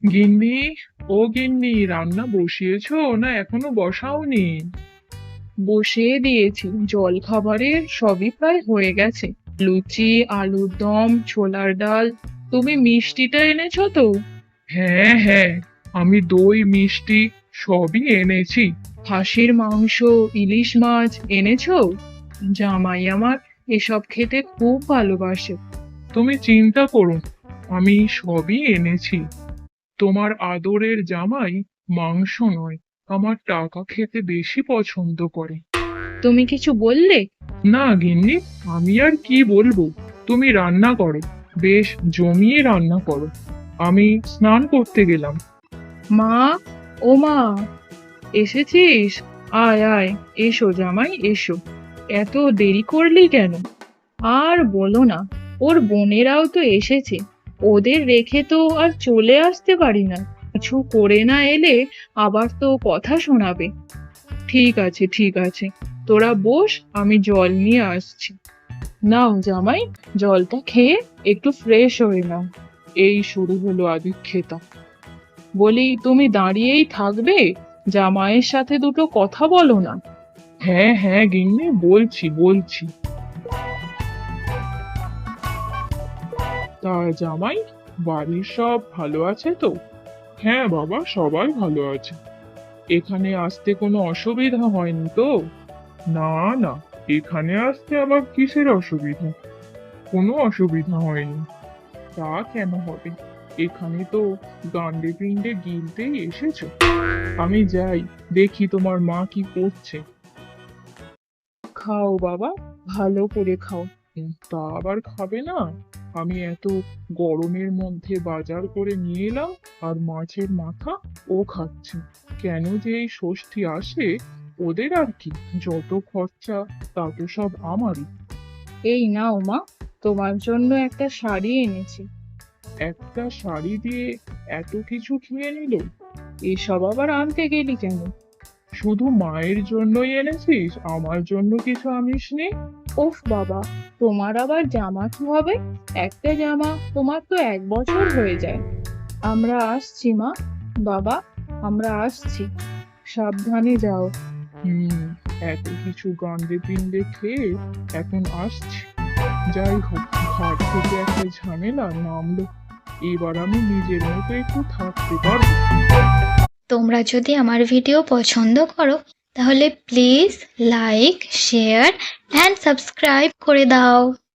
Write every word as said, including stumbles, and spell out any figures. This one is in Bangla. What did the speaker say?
গিন্নি, ও গিন্নি, রান্না বসিয়েছো না এখনো বসাওনি? বসিয়ে দিয়েছি, জল খাবারের সবই প্রায় হয়ে গেছে। লুচি, আলুর দম, ছোলার ডাল। তুমি মিষ্টিটা এনেছো তো? হ্যাঁ হ্যাঁ, আমি দই মিষ্টি সবই এনেছি। খাসির মাংস, ইলিশ মাছ এনেছো? জামাই আমার এসব খেতে খুব ভালোবাসে। তুমি চিন্তা করো না, আমি সবই এনেছি। তোমার আদরের জামাই মাংস নয়, আমার টাকা খেতে বেশি পছন্দ করে। তুমি কিছু বললে? না গিন্নি, আমি আর কি বলবো। তুমি রান্না করো, বেশ জমিয়ে রান্না করো। আমি স্নান করতে গেলাম। মা, ও মা, এসেছিস? আয় আয়, এসো জামাই এসো। এত দেরি করলি কেন? আর বলো না, ওর বোনেরাও তো এসেছে। ওদের রেখে তো আর চলে আসতে পারি না। কিছু করে না এলে আবার তো কথা শোনাবে। ঠিক আছে ঠিক আছে, তোরা বস, আমি জল নিয়ে আসছি। নাও জামাই, জলটা খেয়ে একটু ফ্রেশ হয়ে নাও। এই শুরু হলো আদিক্ষেতা। বলি, তুমি দাঁড়িয়েই থাকবে? জামাইয়ের সাথে দুটো কথা বলো না। হ্যাঁ হ্যাঁ গিন্নি, বলছি বলছি। তা জামাই, বাড়ির সব ভালো আছে তো? হ্যাঁ বাবা, সবাই ভালো আছে। এখানে আসতে কোনো অসুবিধা হয়নি তো? না না, এখানে আসতে আবার কিসের অসুবিধা? কোনো অসুবিধা হয়নি। তা কেন হবে? এখানে তো গান্ডে পিণ্ডে গিলতেই এসেছো। আমি যাই, দেখি তোমার মা কি করছে। খাও বাবা, ভালো করে খাও। উম, তা আবার খাবে না? আমি এত গরমের মধ্যে বাজার করে নিয়ে এলাম, আর মাছের মাথা ও খাচ্ছে। কেন যে এই ষষ্ঠী আসে, ওদের আর কি, যত খরচা তা তো সব আমারই। এই নাও মা, তোমার জন্য একটা শাড়ি এনেছি। একটা শাড়ি দিয়ে এত কিছু কিনে নিল? এসব আবার আনতে গেলি কেন? শুধু মায়ের জন্যই এনেছিস, আমার জন্য কিছু আনিসনি? ওফ বাবা, তোমার আবার জামা কি হবে? একটা জামা তোমার তো এক বছর হয়ে যায়। আমরা আসছি মা, বাবা, আমরা আসছি। সাবধানে যাও। হুম, এত কিছু গান্ডে পিণ্ডে খেয়ে এখন আসছি। যাই হোক, ঘাট থেকে একটা ঝামেলা নামলো। এবার আমি নিজের মতো একটু থাকতে পারবো। তোমরা যদি আমার ভিডিও পছন্দ করো তাহলে please like share and subscribe করে দাও।